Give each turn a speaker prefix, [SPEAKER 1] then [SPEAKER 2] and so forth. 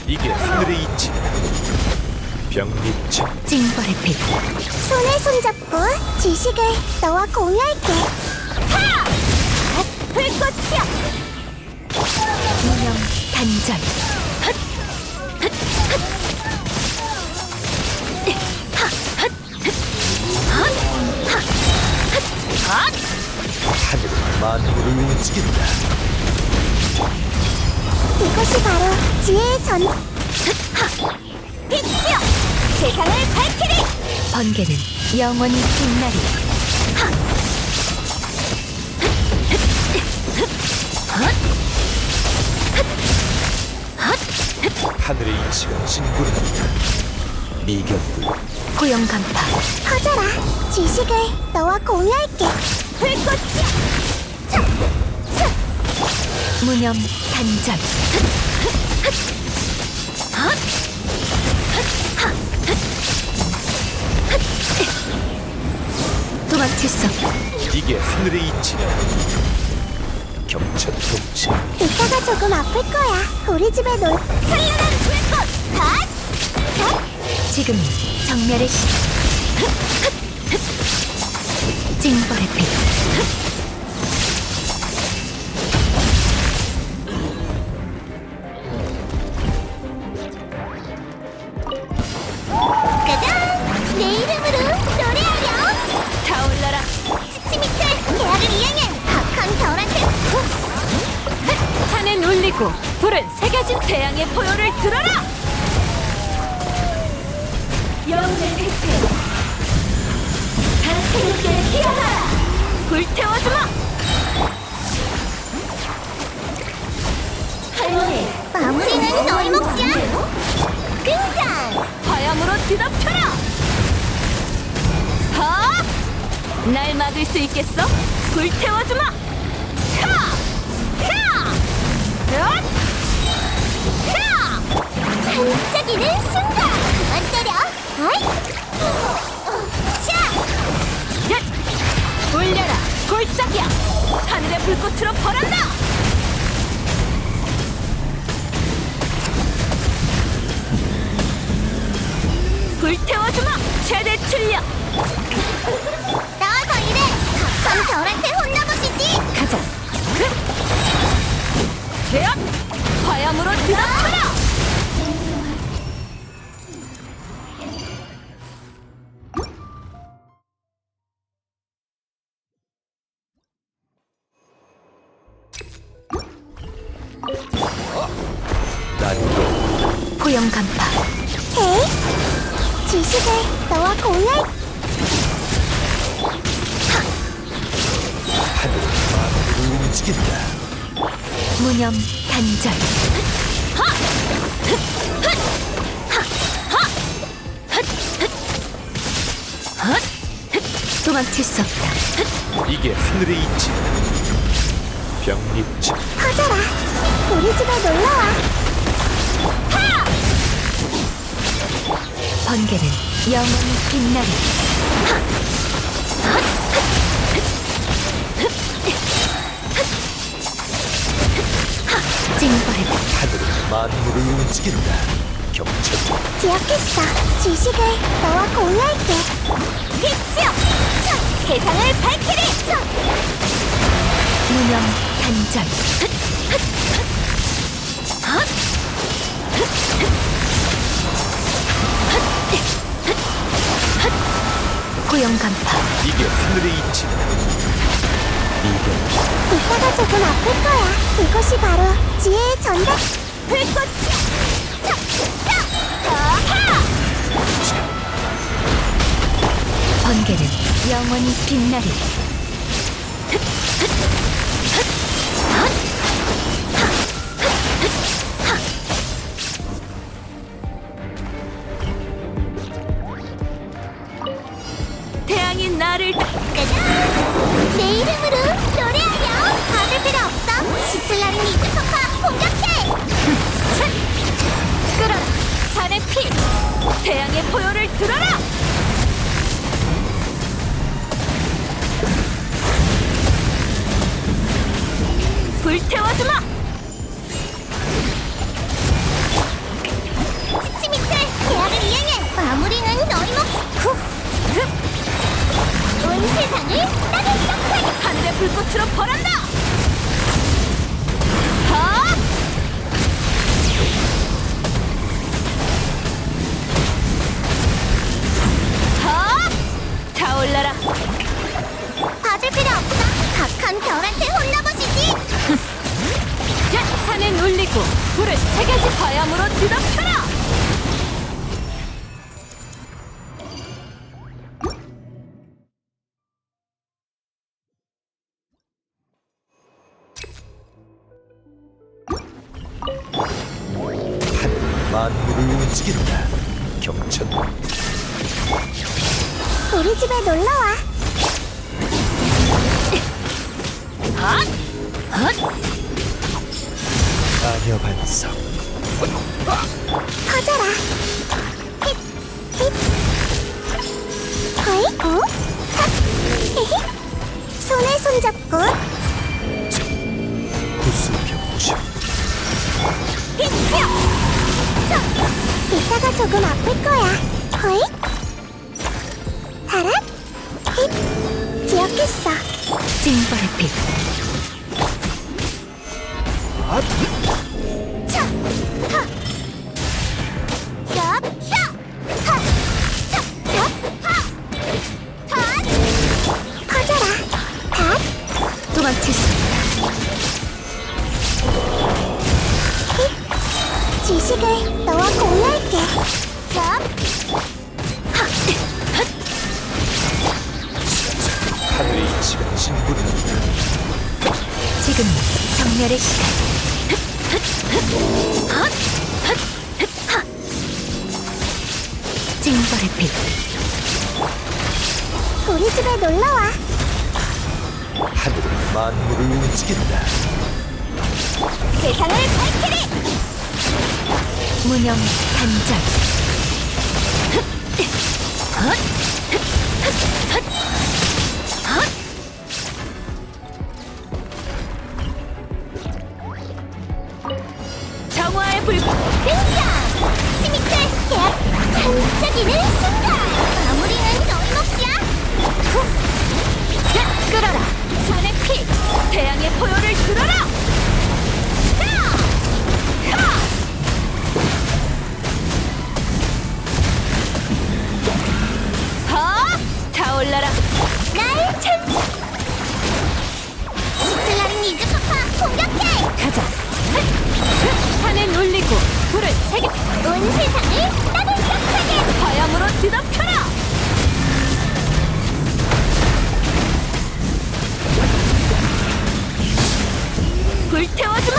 [SPEAKER 1] 이게 하늘의 이치. 병립체.
[SPEAKER 2] 징벌의 빛.
[SPEAKER 3] 손에 손잡고 지식을 너와 공유할게. 하! 불꽃이여!
[SPEAKER 2] 무념 단절.
[SPEAKER 1] 하늘은 만물을 움직인다.
[SPEAKER 3] 이것이 바로 지혜의 전. 빛이여! 세상을 밝히리!
[SPEAKER 2] 번개는 영원히 빛나리.
[SPEAKER 1] 하늘의 이치가 진군한다. 미견불.
[SPEAKER 2] 고용 간파.
[SPEAKER 3] 커져라. 지식을 너와 공유할게. 불꽃이여! 차! 차!
[SPEAKER 2] 무념 단절. 도망칠 수 없다.
[SPEAKER 1] 이게 하늘의 이치다. 경천동체.
[SPEAKER 3] 이따가 조금 아플 거야. 우리 집에 찬란한 불꽃! 핫! 핫!
[SPEAKER 2] 지금 정멸의 시. 징벌의 빛.
[SPEAKER 3] 짜잔! 내 이름으로 노래하렴!
[SPEAKER 2] 타올라라.
[SPEAKER 3] 치치 밑에 계약을 이행해! 박한 겨울한테
[SPEAKER 2] 산은 울리고 불은 새겨진 태양의 포효를 들어라. 영혼의 생태. 다스럽게 피어나라. 불태워주마. 할머니.
[SPEAKER 3] 마무리는 너의 몫이야! 등장!
[SPEAKER 2] 화염으로 뒤덮여라. 하! 날 막을 수 있겠어? 불태워주마. 하! 하! 엇!
[SPEAKER 3] 야! 반짝이는 순간! 그만 때려! 아이! 자!
[SPEAKER 2] 얏! 울려라 골짜기야. 하늘의 불꽃으로 벌한다. 불태워주마. 최대 출력.
[SPEAKER 3] 나와서 일해! 박한 겨울한테 혼나보시지!
[SPEAKER 2] 가자. 대업! 화염으로 뒤덮여라.
[SPEAKER 1] 난도.
[SPEAKER 2] 고용 간파.
[SPEAKER 3] 헤이! 지식을 너와 공유할
[SPEAKER 1] 하늘은 만물을 움직인다.
[SPEAKER 2] 무념 단절. 도망칠 수 없다.
[SPEAKER 1] 이게 하늘의 이치. 병립체.
[SPEAKER 3] 커져라! 우리 집에 놀러와!
[SPEAKER 2] 번개는 영원히 빛나리. 징벌의 빛.
[SPEAKER 1] 하늘은 만물을 움직인다. 경천.
[SPEAKER 3] 기억했어. 지식을 너와 공유할게. 빛이여! 차! 세상을 밝히리! 차!
[SPEAKER 2] 무념 단절. 고용 간파.
[SPEAKER 1] 이게 하늘의 이치다. 미견.
[SPEAKER 3] 이따가 조금 아플 거야. 이것이 바로 지혜의 전달. 불꽃이야! 차! 차! 아하!
[SPEAKER 2] 번개는 영원히 빛나리. 태양이 나를
[SPEAKER 3] 짜잔! 내 이름으로 노래하렴! 받을 필요 없어! 시틀라린 이즈파파 공격해!
[SPEAKER 2] 끌어라. 산의 피. 태양의 포효를 들어라. 불태워주마.
[SPEAKER 3] 세상을 따뜻하게
[SPEAKER 2] 하늘의 불꽃으로 벌한다. 하! 하! 타올라라.
[SPEAKER 3] 봐줄 필요 없어. 각한 별한테 혼나보시지.
[SPEAKER 2] 야, 산에 놀리고 불을 세 가지 화염으로 뒤덮여라.
[SPEAKER 1] 하늘은 만물을 움직인다. 경천.
[SPEAKER 3] 우리 집에 놀러와.
[SPEAKER 2] 핫! 핫!
[SPEAKER 1] 마녀 반석.
[SPEAKER 3] 커져라. 힛, 힛. 허이, 오, 핫, 히히. 손에 손잡고.
[SPEAKER 1] 구수병충.
[SPEAKER 3] 힛, 이따가 조금 아플 거야. 허이. 하라. 힛. 기억했어.
[SPEAKER 2] 징벌의 빛.
[SPEAKER 3] 차, 하. 얍, 야. 하. 차, 얍, 하. 핫. 커져라. 핫.
[SPEAKER 2] 도망칠 수 없다.
[SPEAKER 3] 지식을 너와 공유할게. 얍.
[SPEAKER 1] 하늘의 이치가 진군한다.
[SPEAKER 2] 지금 정멸의 시간. 징벌의 빛.
[SPEAKER 3] 우리 집에 놀러와.
[SPEAKER 1] 하늘은 만물을 움직인다.
[SPEAKER 3] 세상을 밝히리.
[SPEAKER 2] 무념 단절. 정화의 불꽃.
[SPEAKER 3] 등장. 스미트 계약 반짝이는 순간. 마무리는 너희 몫이야.
[SPEAKER 2] 야, 끌어라. 산의 피. 태양의 포효를 들어라. 하! 타올라라.
[SPEAKER 3] 날 찬. 시틀라린 이즈 파파 공격해.
[SPEAKER 2] 가자. 산에 놀리고 불을 세게
[SPEAKER 3] 온 세상을 따뜻하게.
[SPEAKER 2] 화염으로 뒤덮여라. 불태워주마.